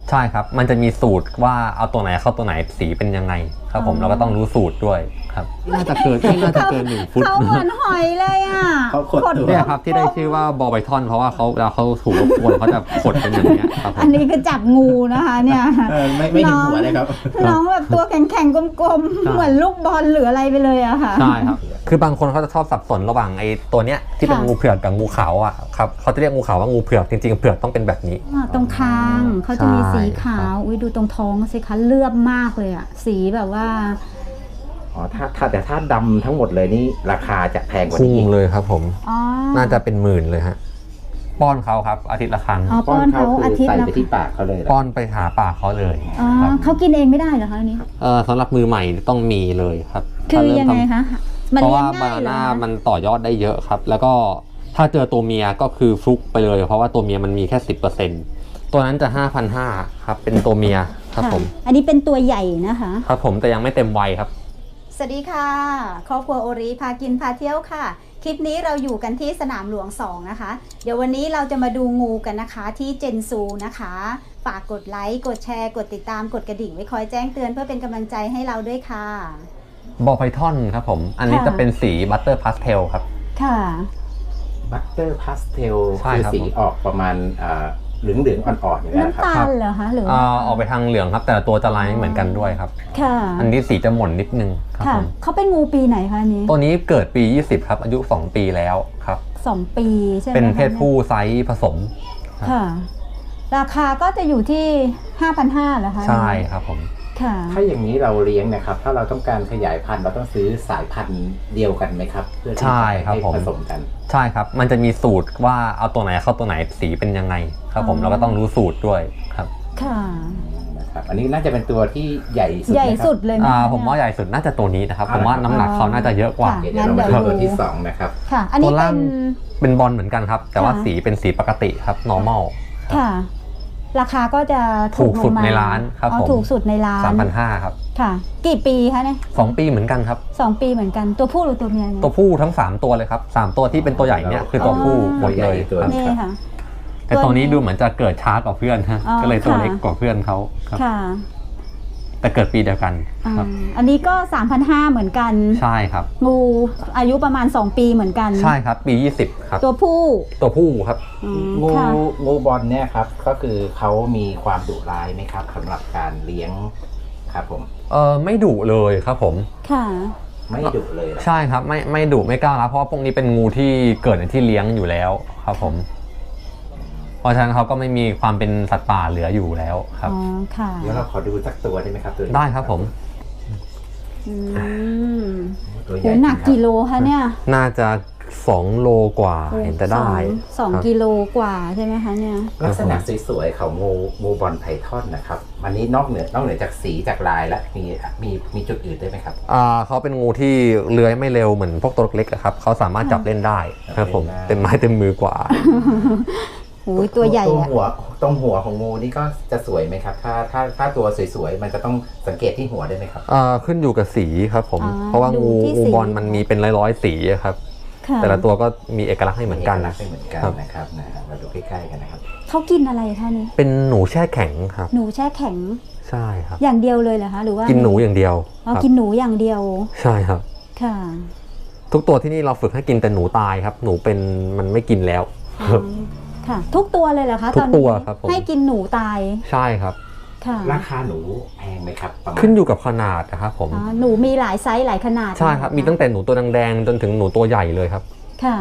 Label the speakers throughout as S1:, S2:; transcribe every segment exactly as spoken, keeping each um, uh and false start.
S1: ใช่ครับมันจะมีสูตรว่าเอาตัวไหนเข้าตัวไหนสีเป็นยังไงครับผมเราก็ต้องรู้สูตรด้วยครับน่าจะเกินไม่น่าจะเกินหนึ่งฟุต
S2: เขาเหมือนหอยเลยอ่ะ
S3: เขาขดตัว
S1: เนี่ยครับที่ได้ชื่อว่าบอลไบทอนเพราะว่าเขาเวลาเขาถูกรบกวนเขาจะขดเป็นอย่างเงี้ยครับ
S2: อันนี้คือจับงูนะคะเนี่ย
S3: ไม่ไม่เห็นหัวเลยครับ
S2: น้องแบบตัวแข็งๆกลมๆเหมือนลูกบอลหรืออะไรไปเลยอะค่ะ
S1: ใช่ครับคือบางคนเขาจะชอบสับสนระหว่างไอ้ตัวเนี้ยที่เป็นงูเผือกกับงูขาวอ่ะครับเขาจะเรียกงูขาวว่างูเผือกจริงๆเผือกต้องเป็นแบบนี้
S2: ตรงคางเขาจะมีสีขาวอุ้ยดูตรงท้องสิคะเลือบมากเลยอะสีแบบว่า
S3: อ๋อถ้าถ้าแต่ถ้าดำทั้งหมดเลยนี่ราคาจะแพงกว่านี้
S1: พุ่งเลยครับผมน่าจะเป็นหมื่นเลยฮะป้อนเขาครับอาทิตย์ละครั้ง
S2: ป้อนเขาอาทิตย์
S3: ละ
S2: ใส่
S3: ไปที่ปากเขาเลย
S1: ป้อนไปหาปากเขาเลย
S2: เขากินเองไม่ได้เหรอคะนี้
S1: เออสำหรับมือใหม่ต้องมีเลยครับ
S2: คือยังไงคะ
S1: เพราะว่าบานาน่ามันต่อยอดได้เยอะครับแล้วก็ถ้าเจอตัวเมียก็คือฟลุกไปเลยเพราะว่าตัวเมียมันมีแค่ สิบเปอร์เซ็นต์ ตัวนั้นจะ ห้าพันห้าร้อย ครับเป็นตัวเมียครับผม
S2: อันนี้เป็นตัวใหญ่นะคะ
S1: ครับผมแต่ยังไม่เต็มวัยครับ
S2: สวัสดีค่ะครอบครัวโอริพากินพาเที่ยวค่ะคลิปนี้เราอยู่กันที่สนามหลวงสองนะคะเดี๋ยววันนี้เราจะมาดูงูกันนะคะที่เจนซูนะคะฝากกดไลค์กดแชร์กดติดตามกดกระดิ่งไว้คอยแจ้งเตือนเพื่อเป็นกำลังใจให้เราด้วยค่ะ
S1: บอลไพทอนครับผมอันนี้จะเป็นสีบัตเตอร์พาสเทลครับ
S2: ค่ะ
S3: บัตเตอร์พาสเทลคือสีออกประมาณเหลืองเหลืองอ่อนๆอย่างนี้
S2: นะครับน้ำตาลเหรอคะหรือ
S1: ออกไปทางเหลืองครับแต่ตัวจะลายไม่เหมือนกันด้วยครับ
S2: ค่ะ
S1: อันนี้สีจะหม่นนิดนึงครับผม
S2: เขาเป็นงูปีไหนคะนี้
S1: ตัวนี้เกิดปียี่สิบครับอายุสองปีแล้วครับ
S2: สองปีใช่ไหม
S1: เป็นเพศผู้ไซส์ผสม
S2: ค่ะราคาก็จะอยู่ที่ ห้าพันห้าร้อย เหรอคะ
S1: ใช่ครับผม
S3: ถ้าอย่างนี้เราเลี้ยงนะครับถ้าเราต้องการขยายพันธุ์เราต้องซื้อสายพันธุ์เดียวกันไหมครับเพื่อที่จะให้ผสมกัน
S1: ใช่ครับมันจะมีสูตรว่าเอาตัวไหนเข้าตัวไหนสีเป็นยังไงครับผมเราก็ต้องรู้สูตรด้วยครับ
S2: ค่ะ
S3: นะครับอันนี้น่าจะเป็นตัวที่ใหญ่สุด
S2: ใหญ่สุดเลย
S1: อ่าผมว่าใหญ่สุดน่าจะตัวนี้นะครับผมว่าน้ำหนักเขาน่าจะเยอะกว่า
S3: เดี๋ยวเรามาดูตัวที่สองนะครับ
S2: ค่ะอันนี้เป็น
S1: เป็นบอลเหมือนกันครับแต่ว่าสีเป็นสีปกติครับ normal
S2: ค่ะราคาก็จะ
S1: ถูกสุดในร้านครับผม
S2: ถูกสุดในร้าน
S1: สามพันห้าร้อย ครับ
S2: ค่ะกี่ปีคะเนี่ย
S1: สองปีเหมือนกันครับ
S2: สองปีเหมือนกันตัวผู้หรือตัวเมีย
S1: ตัวผู้ทั้งสามตัวเลยครับสามตัวที่เป็นตัวใหญ่เนี่ยคือตัวผู้หมดเลย
S2: นี่ค่ะ
S1: แต่ตัวนี้ดูเหมือนจะเกิดช้ากว่าเพื่อนฮะก็เลยตัวเล็กกว่าเพื่อนเขาครับแต่เกิดปีเดียวกันครับ
S2: อันนี้ก็ สามพันห้าร้อย เหมือนกัน
S1: ใช่ครับ
S2: งูอายุประมาณสองปีเหมือนกัน
S1: ใช่ครับปียี่สิบครับ
S2: ตัวผู้
S1: ตัวผู้ครับ
S3: งูงูบอลเนี่ยครับก็คือเขามีความดุร้ายไหมครับสำหรับการเลี้ยงครับผม
S1: เออไม่ดุเลยครับผม
S2: ค่ะ
S3: ไม่ดุเลย
S1: ใช่ครับไม่ไม่ดุไม่กล้ารับเพราะว่าพวกนี้เป็นงูที่เกิดในที่เลี้ยงอยู่แล้วครับผมเพราะฉะนั้นเขาก็ไม่มีความเป็นสัตว์ป่าเหลืออยู่แล้วครับ
S2: อ๋อค่ะ
S3: เดี๋ยวเราขอดูสักตัวได้ไหมครับตัว
S1: ได้ครับผม
S2: ตัวใหญ่หนักกิโลคะเนี่ย
S1: น่าจะสองโลกว่าเห็นจะได้
S2: สองกิโลกว่าใช่ไหมคะเนี่ย
S3: ลักษณะสวยๆของงูงูบอลไพทอนนะครับอันนี้นอกเหนือนอกเหนือจากสีจากลายแล้วมีมีมีจุดอื่นได้ไหมครับ
S1: อ่าเขาเป็นงูที่เลื้อยไม่เร็วเหมือนพวกตัวเล็กๆครับเขาสามารถจับเล่นได้ครับผมเต็มไม้เต็มมือกว่า
S2: โอ้ยตัวใหญ่
S3: ตรงหัวตรงหัวของงูนี่ก็จะสวยไหมครับถ้าถ้าถ้าตัวสวยๆมันจะต้องสังเกตที่หัวได้ไหมครับ
S1: อ่าขึ้นอยู่กับสีครับผมเพราะว่างูงูบอลมันมีเป็นร้อยๆสีครับแต่ละตัวก็มีเอกลักษณ์ให้เหมือนกัน
S3: นะเหมือนกันนะครับนะมาดูใกล้ๆกันนะครับ
S2: เขากินอะไรคะนี่
S1: เป็นหนูแช่แข็งครับ
S2: หนูแช่แข็ง
S1: ใช่ครับ
S2: อย่างเดียวเลยเหรอคะหรือว่า
S1: กินหนูอย่างเดียว
S2: อ๋อกินหนูอย่างเดียว
S1: ใช่ครับ
S2: ค่ะ
S1: ทุกตัวที่นี่เราฝึกให้กินแต่หนูตายครับหนูเป็นมันไม่กินแล้ว
S2: ค่ะทุกตัวเลยเหรอคะ
S1: ทุกตัวครับ
S2: ให้กินหนูตาย
S1: ใช่ครับ
S3: ราคาหนูแพงไหมครับ
S1: ขึ้นอยู่กับขนาดนะครับผม
S2: หนูมีหลายไซส์หลายขนาด
S1: ใช่ครับมีตั้งแต่หนูตัวแดงๆจนถึงหนูตัวใหญ่เลยครับ
S2: ค่ะ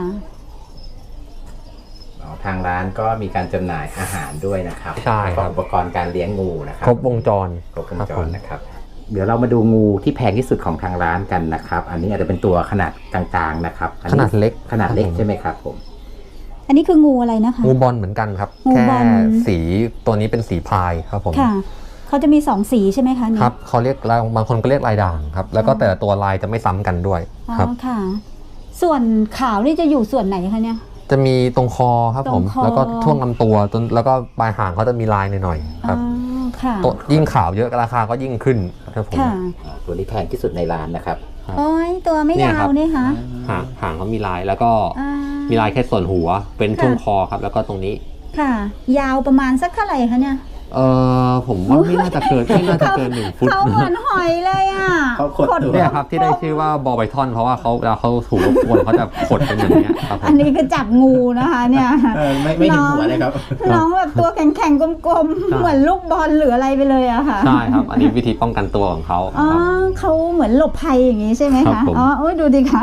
S3: ทางร้านก็มีการจำหน่ายอาหารด้วยนะครับ
S1: ใช่ครับ
S3: อุปกรณ์การเลี้ยงงูนะครับ
S1: ครบวงจร
S3: ครบวงจรนะครับเดี๋ยวเรามาดูงูที่แพงที่สุดของทางร้านกันนะครับอันนี้อาจจะเป็นตัวขนาดกลางๆนะครับ
S1: ขนาดเล็ก
S3: ขนาดเล็กใช่ไหมครับผม
S2: อันนี้คืองูอะไรนะคะ
S1: งูบอลเหมือนกันครับแค่สีตัวนี้เป็นสีพายครับผม
S2: ค่ะเขาจะมีสองสีใช่ไหมคะ
S1: ครับเขาเรียกบางคนก็เรียกลายด่างครับแล้วก็แต่ละตัวลายจะไม่ซ้ำกันด้วยครับ
S2: ค่ะส่วนขาวนี่จะอยู่ส่วนไหนคะเนี่ย
S1: จะมีตรงคอครับผมแล้วก็ท่วงลำตัวจนแล้วก็ปลายหางเขาจะมีลายหน่อยๆครับตัวยิ่งขาวเยอะราคาก็ยิ่งขึ้นครับผม
S3: ตัวนี้แพงที่สุดในร้านนะครับ
S2: โอ้ยตัวไม่ยาวนี่คะ
S1: หางหางเขามีลายแล้วก็มีลายแค่ส่วนหัวเป็นช่วงคอครับแล้วก็ตรงนี้
S2: ค่ะยาวประมาณสักเท่าไหร่คะเนี่ย
S1: เออผมว่าไม่น่าจะเกินไม่น่าจะเกินหนึ่งฟุต
S2: เขาเหมือนหอยเลยอ่ะ
S3: เขาขดตัว
S1: เนี่ยครับที่ได้ชื่อว่าบอลไบทอนเพราะว่าเขาเวลาเขาถูกรบกวนเขาจะขดเป็นอย่างเงี้ยครับผม
S2: อันนี้คือจับงูนะคะเนี่ย
S3: เออไม่ไม่ถึงหัวเลยครับ
S2: น้องแบบตัวแข็งๆกลม
S1: ใช่
S2: ๆเหมือนลูกบอลหรืออะไรไปเลยอะค่ะ
S1: ใช่ครับ อันนี้วิธีป้องกันตัวของเขา
S2: อ๋อ
S1: ครับ
S2: เขาเหมือนหลบภัยอย่างนี้ใช่ไหม
S1: ครั
S2: คะ
S1: บผม
S2: อ๋อโอ้ยดูดิคะ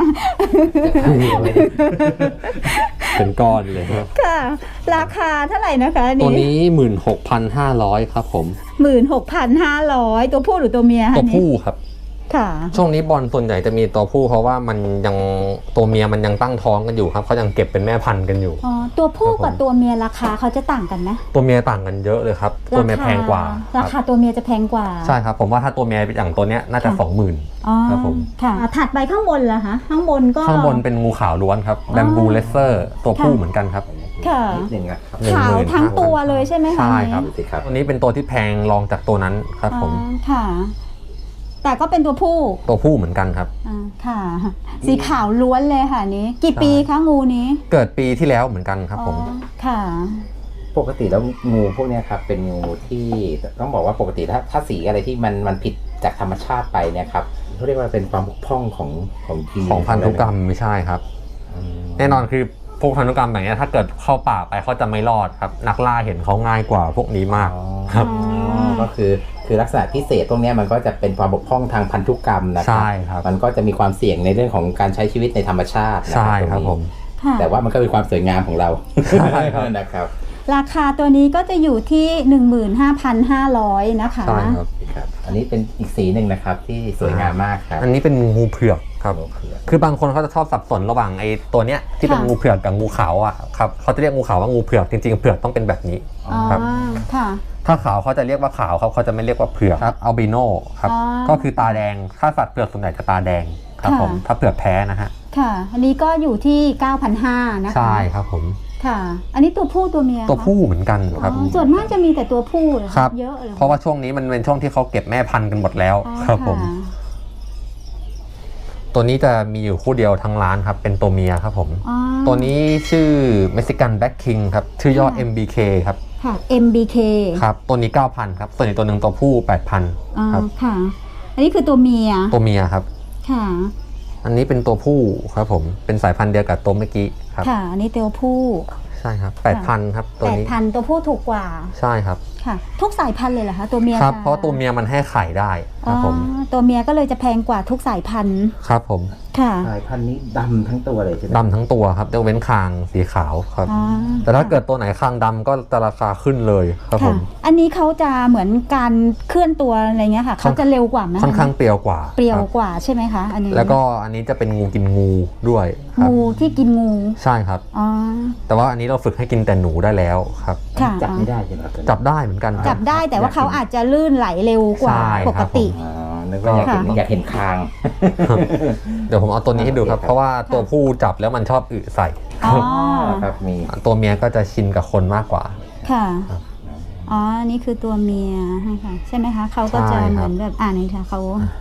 S1: เป็นก้อนเลยครับ
S2: ค่ะ ราคาเท่าไหร่นะคะอัน
S1: ตัว
S2: นี้
S1: นี้หมื่นหกพันห้าร้อยครับผม
S2: หมื่นหกพันห้าร้อยตัวผู้หรือตัวเมียคะ
S1: ตัว
S2: นี่
S1: ผู้ครับ
S2: ค่ะ
S1: ช่วงนี้บอลส่วนใหญ่จะมีตัวผู้เพราะว่ามันยังตัวเมียมันยังตั้งท้องกันอยู่ครับเขายังเก็บเป็นแม่พันธุ์กันอยู่
S2: อ๋อ ตัวผู้
S1: ครับผม
S2: กับตัวเมียราคาเขาจะต่างกันไหม
S1: ตัวเมียต่างกันเยอะเลยครับ ตัวเมียแพงกว่า
S2: รา
S1: ค
S2: คา
S1: รับ
S2: ตัวเมียจะแพงกว่า
S1: ใช่ครับผมว่าถ้าตัวเมียอย่างตัวเนี้ยน่าจะ
S2: ค่ะ
S1: สองหมื่น
S2: อ๋อ
S1: ครับผม
S2: ค่ะอ่ะถัดไปข้างบนเหรอคะข้างบนก็
S1: ข้างบนเป็นงูขาวล้วนครับ
S2: อ๋อ
S1: แบมบูเลสเซอร์ตัวผู้
S2: ค่ะ
S1: เหมือนกันครับ
S2: ค่ะ
S3: นิดนึงนะครับ
S1: หนึ่ง
S2: ขาว
S1: หมื่น
S2: ทั้ง
S1: ห้าพัน
S2: ตัวเลยใช่ไหมคะ
S1: ใช่ครับ
S3: ดูสิครับ
S1: ตัวนี้เป็นตัวที่แพงรองจากตัวนั้นครับผม
S2: อ๋อค่ะ แต่ก็เป็นตัวผู้
S1: ตัวผู้เหมือนกันครับ
S2: อ่าค่ะ สีขาวล้วนเลยค่ะนี้ กี่ปีคะงูนี้
S1: เกิดปีที่แล้วเหมือนกันครับผม
S2: อ๋อค่ะ
S3: ปกติแล้วงูพวกเนี้ยครับเป็นงูที่ต้องบอกว่าปกติถ้าถ้าสีอะไรที่มันมันผิดจากธรรมชาติไปเนี่ยครับเขาเรียกว่าเป็นความบกพร่องของของยีน
S1: ของพันธุกรรมไม่ใช่ครับ
S3: อืม
S1: แน่นอนคือพวกพันธุกรรมแบบนี้ถ้าเกิดเข้าป่าไปเขาจะไม่รอดครับ นักล่าเห็นเขาง่ายกว่าพวกนี้มาก
S3: อ๋อ
S1: ครับ
S3: ก็คือคือลักษณะพิเศษพวกเนี้ยมันก็จะเป็นความบกพร่องทางพันธุกรรมนะครั
S1: ใช่ครับ
S3: มันก็จะมีความเสี่ยงในเรื่องของการใช้ชีวิตในธรรมชาตินะ
S1: ใช่ครับ
S3: ตงนี้
S1: ผม
S2: ค่ะ
S3: แต่ว่ามันก็เป็นความสวยงามของเรา
S1: ใช่ครับ
S3: นะครับ
S2: ราคาตัวนี้ก็จะอยู่ที่ หนึ่งหมื่นห้าพันห้าร้อย นะคะ
S1: ใช่ครับ
S3: ครับ อันนี้เป็นอีกสีหนึ่งนะครับที่สวยงามมากครับ
S1: อันนี้เป็นงูเผือกครับ
S3: งูเผือก
S1: คือบางคนเขาจะชอบสับสนระหว่างไอ้ตัวเนี้ยที่เป็น
S2: ค่ะ
S1: งูเผือกกับงูขาวอ่ะครับเขาจะเรียกงูขาวว่างูเผือกจริงๆเผือกต้องเป็นแบบนี้
S2: อ๋อ
S1: ครับ
S2: ค่ะ
S1: ถ้าขาวเขาจะเรียกว่าขาวครับเขาจะไม่เรียกว่าเผือกครับอัลบิโนครับ
S2: อ๋อ
S1: ก็คือตาแดงถ้าสัตว์เผือกส่วนใหญ่จะตาแดงครับ
S2: ค่ะ
S1: ผมถ้าเผือกแพ้นะฮะ
S2: ค่ะ อันนี้ก็อยู่ที่ เก้าพันห้าร้อย นะคะ
S1: ใช่ครับผม
S2: ค่ะ อันนี้ตัวผู้ตัวเมีย
S1: ตัวผู้เหมือนกันครับ
S2: อ๋อส่วนมากจะมีแต่ตัวผู้เหรอคะ
S1: ครับ
S2: เยอะเลย
S1: เพราะว่าช่วงนี้มันเป็นช่วงที่เขาเก็บแม่พันธุ์กันหมดแล้ว
S2: อ๋อ
S1: ครับผม
S2: ะ
S1: ตัวนี้จะมีอยู่คู่เดียวทั้งร้านครับเป็นตัวเมียครับผม
S2: อ๋อ
S1: ตัวนี้ชื่อ Mexican Black King ครับชื่อย่อ
S2: ค่ะ
S1: เอ็ม บี เค ครับ
S2: ค่ะ เอ็ม บี เค
S1: ครับตัวนี้ เก้าพัน ครับส่วนอีกตัวหนึ่งตัวผู้ แปดพัน
S2: อ๋อ
S1: ครับ
S2: ค่ะ อันนี้คือตัวเมีย
S1: ตัวเมียครับ
S2: ค่ะ
S1: อันนี้เป็นตัวผู้ครับผมเป็นสายพันธุ์เดียวกับตัวเมื่อกี้ครับ
S2: ค่ะ อันนี้ตัวผู้
S1: ใช่ครับแปดพันครับตัว
S2: แปด
S1: นี้
S2: พันตัวผู้ถูกกว่า
S1: ใช่ครับ
S2: ค่ะ ทุกสายพันธุ์เลยเหรอคะ ตัวเมีย
S1: ครับ
S2: จ
S1: เพราะตัวเมียมันให้ไข่ได้ค
S2: อ๋
S1: รับผม
S2: อตัวเมียก็เลยจะแพงกว่าทุกสายพันธุ์
S1: ครับผม
S2: ค่ะ
S3: สายพันธุ์นี้ดำทั้งตัวเลยใช่ไหม
S1: ดำทั้งตัวครับยกเว้นคางสีขาวครับ
S2: อ๋อ
S1: แต่ถ้าเกิดตัวไหนคางดำก็จะราคาขึ้นเลยครับผ
S2: ค่ะ
S1: ม
S2: อันนี้เขาจะเหมือนการเคลื่อนตัวอะไรเงี้ยค่ะ เขาจะเร็วกว่าไหม
S1: ค่อนข้างเปรียวกว่า
S2: เปรียว
S1: ครับ
S2: กว่าใช่ไหมคะอันนี้
S1: แล้วก็อันนี้จะเป็นงูกินงูด้วยครับ
S2: งูที่กินงู
S1: ใช่ครับ
S2: อ๋อ
S1: แต่ว่าอันนี้เราฝึกให้กินแต่หนูได้แล้วครับ
S2: ค่ะ
S3: จับไม่ได้ใช่ไหมครับ
S1: จับได้เหมือนกันครับ
S2: จับได้แต่ว่าเขาอาจจะลื่นไหลเร็วกว่า
S1: ใช่
S2: ป
S1: ค
S2: ก
S1: รับ
S2: ติ
S3: อ๋อนึกว่าอยากเห็น
S2: ค่ะ
S3: อยากเห็นคาง
S1: เดี๋ยวผมเอาตัวนี้ให้ดูครับ
S3: โอเคครับ
S1: เพราะว่าตัวผู้จับแล้วมันชอบอึใส่
S2: อ๋อ
S3: ครับมี
S1: ตัวเมียก็จะชินกับคนมากกว่า
S2: ค่ะ
S1: ครับ
S2: อ๋ออันนี่คือตัวเมียค่ะใช่ไหมคะเขาก็จะ
S1: ใช่
S2: เห
S1: ครับ
S2: มือนแบบอ่านี่ค่ะเขา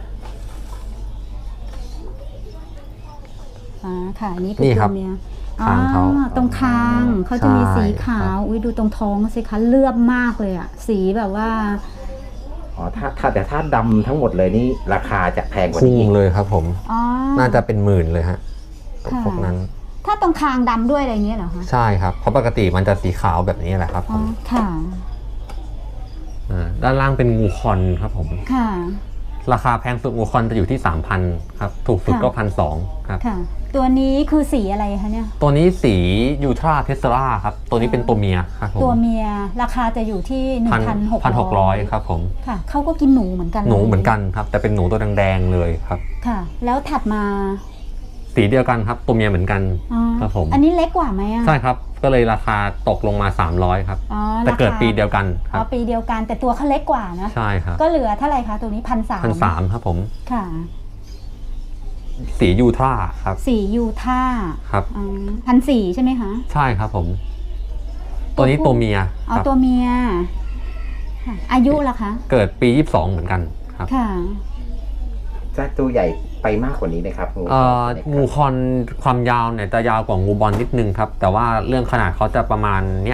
S2: อ่าค่ะอันนี่คือ
S1: นี่ค
S2: ตั
S1: รั
S2: ว
S1: บ
S2: เมีย
S1: คางเขา
S2: อ๋อตรงคางเขาจะมี
S1: ใช่
S2: สีขาว
S1: ครับ
S2: อุ้ยดูตรงท้องสิคะเลือบมากเลยอะสีแบบว่า
S3: อ๋อถ้าถ้าแต่ถ้าดำทั้งหมดเลยนี่ราคาจะแพงกว่า
S1: พุ่ง
S3: นี้อีก
S1: เลยครับผม
S2: อ๋อ
S1: น่าจะเป็นหมื่นเลยฮะ
S2: ค่ะ
S1: พวกนั้น
S2: ถ้าตรงคางดำด้วยอะไรอย่างเงี้ยเหรอคะ
S1: ใช่ครับ เพราะปกติมันจะสีขาวแบบนี้แหละครับผ
S2: อ๋อ
S1: ม
S2: ค่ะ
S1: อ่าด้านล่างเป็นงูคอนครับผม
S2: ค่ะ
S1: ราคาแพงสุดงูคอนจะอยู่ที่ สามพัน ครับ ถูกสุด
S2: ค่ะ
S1: ก็พันสองครับ
S2: ค่ะ ตัวนี้คือสีอะไรคะเนี่ย
S1: ตัวนี้สียูทราเทสลาครับ ตัวนี้เป็นตัวเมียครับผม
S2: ตัวเมียราคาจะอยู่ที่หนึ่งพันหก
S1: พันหกร้อยครับผม
S2: ค่ะเขาก็กินหนูเหมือนกัน
S1: หนูเหมือนกันครับ แต่เป็นหนูตัวแดงๆเลยครับ
S2: ค่ะ แล้วถัดมา
S1: สีเดียวกันครับ ตัวเมียเหมือนกัน
S2: อ๋อ
S1: ครับผม
S2: อันนี้เล็กกว่าไหมอ่ะ
S1: ใช่ครับ ก็เลยราคาตกลงมา สามร้อยครับ
S2: อ๋อ
S1: แต่เกิด
S2: ราคา
S1: ปีเดียวกันค
S2: อ๋
S1: รั
S2: อบ ปีเดียวกันแต่ตัวเขาเล็กกว่านะ
S1: ใช่ครับ
S2: ก็เหลือเท่าไหร่คะตัวนี้พันสาม
S1: พันสามครับผม
S2: ค่ะ
S1: สียูทราครับ
S2: สียูท่า
S1: ครับ
S2: พันสี่ใช่ไหมคะ
S1: ใช่ครับผม ตัวนี้ตัวเมีย
S2: อ๋อ
S1: ครับ
S2: ตัวเมียค่ะอายุล่ะคะ
S1: เกิดปียี่สิบสองเหมือนกันครับ
S2: ค่ะ
S3: จะตัวใหญ่ไปมากกว่านี้ไหมครับงู
S1: เอ่อ
S3: ใน
S1: งูคอนความยาวเนี่ยจะยาวกว่างูบอลนิดนึงครับ แต่ว่าเรื่องขนาดเขาจะประมาณเนี้ยค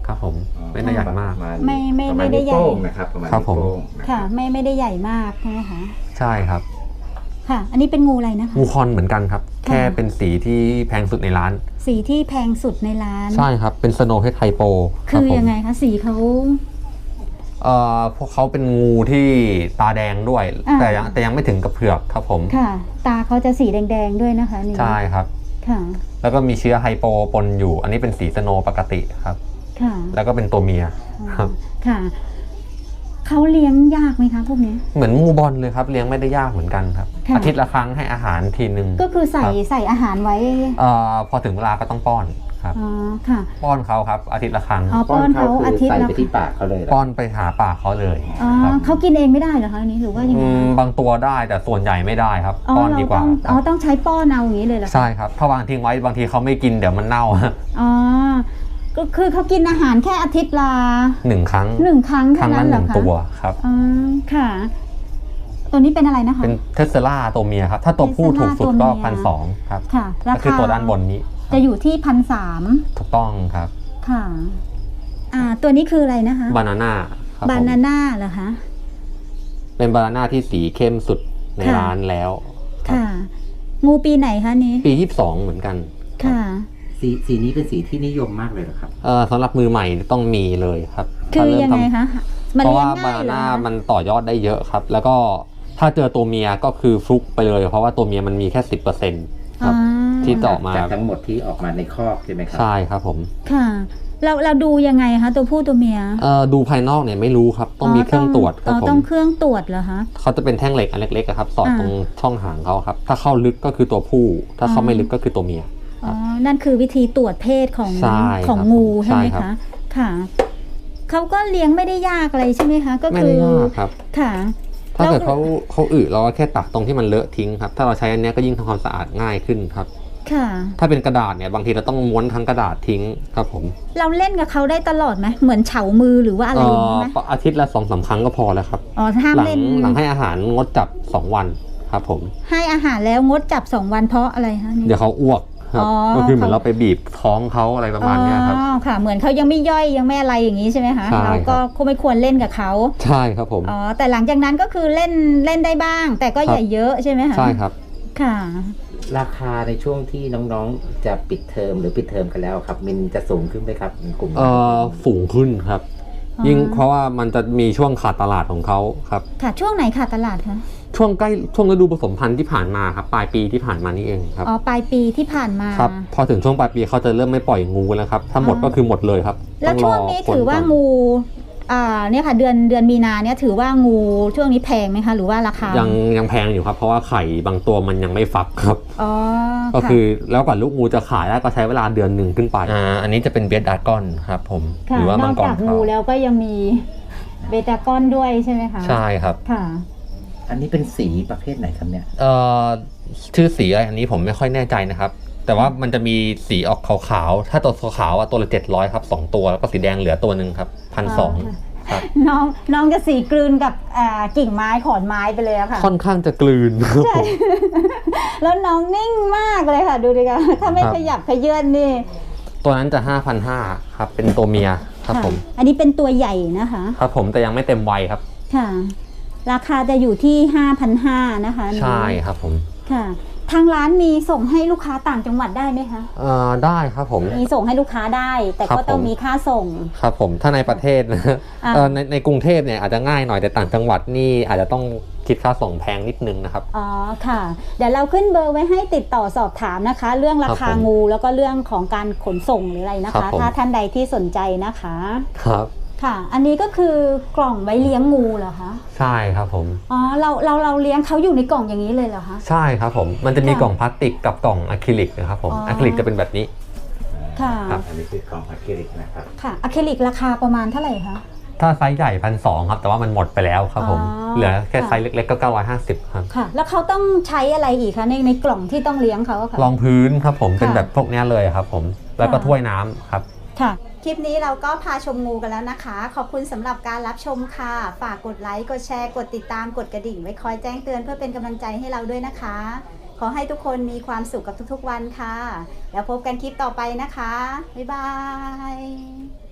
S1: ครับผมไม่ได้ใหญ่มาก
S2: ไม่ไม่
S3: ประาณ
S2: ไม่ได้ใหญ่
S3: นิ้วโป้งนะครับประมาณ
S1: ครับผม
S3: นิ้วโป้งน
S2: ค่ะ ไม่ไม่ได้ใหญ่มากใช่ไหมคะ
S1: ใช่ครับ
S2: ค่ะ อันนี้เป็นงูอะไรนะคะ
S1: งูคอนเหมือนกันครับ แค่เป็นสีที่แพงสุดในร้าน
S2: สีที่แพงสุดในร้าน
S1: ใช่ครับเป็นสโนว์เพชรไทโป
S2: คือยังไงคะสีเขา
S1: เอ่อพวกเขาเป็นงูที่ตาแดงด้วย
S2: อ่า
S1: แต่ยังแต่ยังไม่ถึงกับเผือกครับผม
S2: ค่ะ ตาเขาจะสีแดงๆด้วยนะคะนี่
S1: ใช่ครับ
S2: ค่ะ
S1: แล้วก็มีเชื้อไฮโปปนอยู่ อันนี้เป็นสีสโนว์ปกติครับ
S2: ค่ะ
S1: แล้วก็เป็นตัวเมียครับ
S2: ค่ะเขาเลี้ยงยากไหมคะพวกนี้
S1: เหมือนงูบอลเลยครับเลี้ยงไม่ได้ยากเหมือนกันครับ
S2: ค่ะ
S1: อาทิตย์ละครั้งให้อาหารทีนึง
S2: ก็คือใส่
S1: ครับ
S2: ใส่อาหารไว้
S1: เอ่อพอถึงเวลาก็ต้องป้อนครับ
S2: อ๋อค่ะ
S1: ป้อนเขาครับอาทิตย์ละครั้ง
S2: อ๋อป้อนเขา
S3: คื
S2: อาทิตย์
S3: ใส่
S2: ละ
S3: ไปที่ปากเขาเลยเหรอ
S1: ป้อนไปหาปากเขาเลย
S2: อ๋อ
S1: ครับ
S2: เขากินเองไม่ได้เหรอคะอันนี้หรือว่ายัง
S1: อื
S2: ไง
S1: มบางตัวได้แต่ส่วนใหญ่ไม่ได้ครับ
S2: อ๋อ
S1: ป้อน
S2: เรา
S1: ดีก
S2: ต้
S1: ว่า
S2: อง
S1: ค
S2: อ๋อ
S1: รับ
S2: ต้องใช้ป้อนเอาอย่างนี้เลยเหรอคะ
S1: ใช่ครับถ้าวางทิ้งไว้บางทีเขาไม่กินเดี๋ยวมันเน่า
S2: อ๋อก็คือเขากินอาหารแค่อาทิตย์ละ
S1: หนึ่งครั้ง
S2: หนึ่งครั้ง
S1: ครั้
S2: เท่าง นั้
S1: ละ
S2: น
S1: ห
S2: เหรอ
S1: นึ่ง
S2: คะ
S1: ตัวครับ
S2: อ๋อค่ะ ตัวนี้เป็นอะไรนะคะ
S1: เป็นเทสเซล่าตัวเมียครับ ถ้าตัวผู้ถูกสุดก็
S2: Tesla ตัวเมีย
S1: พันสองครับ
S2: ค่ะ รา
S1: ก็คือ
S2: คา
S1: ตัวด้านบนนี้
S2: จะอยู่ที่พันสาม
S1: ถูกต้องครับ
S2: ค่ะ อ่า ตัวนี้คืออะไรนะคะ
S1: บานาน่าครับ
S2: บา
S1: ผม
S2: นาน่าเหรอคะ
S1: เป็นบานาน่าที่สีเข้มสุดใน
S2: ค่ะ
S1: ร้านแล้วครับ
S2: ค่ะ งูปีไหนคะนี้
S1: ปียี่สิบสองเหมือนกัน
S2: ค่ะ
S3: สีสีนี้เป็นสีที่นิยมมากเลยเหรอครับ
S1: เอ่อสำหรับมือใหม่ต้องมีเลยครับ
S2: คือ
S1: ถ้าเริ่ม
S2: ยังไง
S1: ทำ
S2: คะมัน
S1: เพราะ
S2: เลี้ย
S1: ว่าง บา
S2: ง่าย
S1: นา
S2: เหรอ
S1: น่า
S2: คะ
S1: มันต่อยอดได้เยอะครับ แล้วก็ถ้าเจอตัวเมียก็คือฟลุกไปเลย เพราะว่าตัวเมียมันมีแค่สิบเปอร์เซ็นต์ครับ
S2: อ่า
S1: ที่ต่อมา
S3: จากทั้งหมดที่ออกมาในคอกใช่ไหมครั
S1: ใช่ครับผม
S2: ค่ะ เราเราดูยังไงคะตัวผู้ตัวเมีย
S1: เอ่อดูภายนอกเนี่ยไม่รู้ครับ ต้องมีเครื่องตรวจค
S2: อ๋
S1: รับ
S2: อ
S1: ผ
S2: ต้อ
S1: ม
S2: งเครื่องตรวจเหรอคะ
S1: เขาจะเป็นแท่งเหล็กอันเล็กๆอะครับ สอด
S2: อ่า
S1: ตรงช่องหางเขาครับ ถ้าเข้าลึกก็คือตัวผู้ ถ้าเข้าไม่ลึกก็คือตัวเมีย
S2: อ๋อ นั่นคือวิธีตรวจเพศของ
S1: ใช่
S2: ของ
S1: ครับ
S2: งูใช่ไหม
S1: ใช่ครั
S2: คะ
S1: บ
S2: ค่ะ เขาก็เลี้ยงไม่ได้ยากอะไรใช่ไหมคะ ก็
S1: ไม่
S2: คื
S1: ได้
S2: อย
S1: ากครับ
S2: ค่ะ
S1: ถ้าเกิด
S2: แล้ว
S1: เขาเขาอึเราก็แค่ตักตรงที่มันเลอะทิ้งครับ ถ้าเราใช้อันเนี้ยก็ยิ่งทำความสะอาดง่ายขึ้นครับ
S2: ค่ะ
S1: ถ้าเป็นกระดาษเนี่ยบางทีเราต้องม้วนทั้งกระดาษทิ้งครับผม
S2: เราเล่นกับเขาได้ตลอดไหมเหมือนเฉามือหรือว่าอะไรอย่างนี้ไหม
S1: เอ่ออาทิตย์ละสองสามครั้งก็พอแล้วครับ
S2: อ๋อห้าม
S1: หลัง
S2: เล่น
S1: หลังให้อาหารงดจับสองวันครับผม
S2: ให้อาหารแล้วงดจับสองวันเพราะอะไรคะนี่
S1: เดี๋ยวเขาอ้วกครับ
S2: อ๋อ
S1: ก็คือเหมือน
S2: เขา
S1: เราไปบีบท้องเขาอะไรประมาณเนี้ยครับ
S2: อ๋อค่ะ เหมือนเขายังไม่ย่อยยังไม่อะไรอย่างนี้ใช่ไหมคะ
S1: ใช่
S2: เราก็คงไม่ควรเล่นกับเขา
S1: ใช่ครับผม
S2: อ๋อแต่หลังจากนั้นก็คือเล่นเล่นได้บ้าง แต่ก็
S1: ครับ
S2: อย่าเยอะใช่ไหมคะ
S1: ใช่ครับ
S2: ค่ะ
S3: ราคาในช่วงที่น้องๆจะปิดเทอมหรือปิดเทอมกันแล้วครับมันจะสูงขึ้นไหมครับกลุ่ม
S1: เอ่อสูงขึ้นครับ
S2: อ๋อ
S1: ยิ่งเพราะว่ามันจะมีช่วงขาดตลาดของเขาครับ
S2: ค่ะช่วงไหนค่ะตลาดคะ
S1: ช่วงใกล้ช่วงฤดูผสมพันธุ์ที่ผ่านมาครับปลายปีที่ผ่านมานี่เองครับ
S2: อ๋อปลายปีที่ผ่านมา
S1: ครับพอถึงช่วงปลายปีเขาจะเริ่มไม่ปล่อยงูแล้วครับถ้าหมด
S2: อ๋อ
S1: ก็คือหมดเลยครับ
S2: แล้ว
S1: ต้องร
S2: ช่ว
S1: อง
S2: นี้
S1: ผล
S2: ถือว่า
S1: ก่น
S2: งูอ่าเนี่ยค่ะ เดือนเดือนมีนาเนี่ยถือว่างูช่วงนี้แพงไหมคะหรือว่าราคา
S1: ยังยังแพงอยู่ครับ เพราะว่าไข่บางตัวมันยังไม่ฟักครับ
S2: อ๋อ
S1: ก็
S2: ค่ะ
S1: คือแล้วกว่าลูกงูจะขายได้ก็ใช้เวลาเดือนหนึ่งขึ้นไปอ่าอันนี้จะเป็นเบสดากอนครับผม
S2: ค่ะ
S1: หรือว่าน มั
S2: อง ก
S1: กร
S2: จาก
S1: เขา
S2: งูแล้วก็ยังมีเบตากอนด้วยใช่ไหมคะ
S1: ใช่ครับ
S2: ค่ะ
S3: อันนี้เป็นสีประเภทไหนครับเนี่ย
S1: เอ่อชื่อสีอะไรอันนี้ผมไม่ค่อยแน่ใจนะครับ แต่ว่ามันจะมีสีออกขาวๆถ้าตัวขาวๆอ่ะตัวละเจ็ดร้อยครับสองตัวแล้วก็สีแดงเหลือตัวหนึ่งครับพันสองครับ
S2: น้องน้องจะสีกลืนกับอ่ากิ่งไม้ขอนไม้ไปเลยอะค่ะ
S1: ค่อนข้างจะกลืนครับผม
S2: แล้วน้องนิ่งมากเลยค่ะ ดูดิค่ะถ้าไม่
S1: ครับ
S2: ขยับขยื่นนี่
S1: ตัวนั้นจะห้าพันห้าครับเป็นตัวเมียครับ
S2: ค่ะ
S1: ผม
S2: อันนี้เป็นตัวใหญ่นะคะ
S1: ครับผมแต่ยังไม่เต็มวัยครับ
S2: ค่ะ ราคาจะอยู่ที่ ห้าพันห้าร้อย นะคะอันนี้
S1: ใช่ครับผม
S2: ค่ะ ทางร้านมีส่งให้ลูกค้าต่างจังหวัดได้ไหมคะ
S1: เอ่อได้ครับผม
S2: มีส่งให้ลูกค้าได้ แต่
S1: ครับ
S2: ก็ต้อง
S1: ผม
S2: มีค่าส่ง
S1: ครับผมถ้าในประเทศนะ
S2: อ่า
S1: เอ่อในในกรุงเทพเนี่ยอาจจะง่ายหน่อยแต่ต่างจังหวัดนี่อาจจะต้องคิดค่าส่งแพงนิดนึงนะครับ
S2: อ๋อค่ะ เดี๋ยวเราขึ้นเบอร์ไว้ให้ติดต่อสอบถามนะคะ เรื่องราคา
S1: ครับผม
S2: งูแล้วก็เรื่องของการขนส่งหรืออะไรนะ
S1: ครั
S2: คะ
S1: บผม
S2: ถ้าท่านใดที่สนใจนะคะ
S1: ครับ
S2: ค่ะ อันนี้ก็คือกล่องไว้เลี้ยงงูเหรอคะ
S1: ใช่ครับผม
S2: อ๋อเราเราเราเลี้ยงเขาอยู่ในกล่องอย่างนี้เลยเหรอคะ
S1: ใช่ครับผมมันจะมี
S2: ค่ะ
S1: กล่องพลาสติกกับกล่องอะคริลิกนะครับผม
S2: อ๋ออ
S1: อะคริลิกจะเป็นแบบนี้
S2: ค่ะ
S1: ครับ
S3: อันนี้คือของอะคริลิกนะครับ
S2: ค่ะอะคริลิกราคาประมาณเท่าไหร่คะ
S1: ถ้าไซส์ใหญ่พันสองครับแต่ว่ามันหมดไปแล้วครับผม
S2: อ๋อ
S1: เหลือแค่
S2: ค่ะ
S1: ไซส์เล็กๆก็เก้าร้อยห้าสิบครับ
S2: ค่ะ แล้วเขาต้องใช้อะไรอีกคะในในกล่องที่ต้องเลี้ยงเขาอะค่ะ
S1: รองพื้นครับผม
S2: ค่ะ
S1: เป็นแบบพวกเนี้ยเลยครับผมแล้วก็
S2: ค่ะ
S1: ถ้วยน้ำครับ
S2: ค่ะ คลิปนี้เราก็พาชมงูกันแล้วนะคะ ขอบคุณสำหรับการรับชมค่ะ ฝากกดไลค์ กดแชร์ กดติดตาม กดกระดิ่งไว้คอยแจ้งเตือนเพื่อเป็นกำลังใจให้เราด้วยนะคะ ขอให้ทุกคนมีความสุขกับทุกๆวันค่ะ แล้วพบกันคลิปต่อไปนะคะ บ๊ายบาย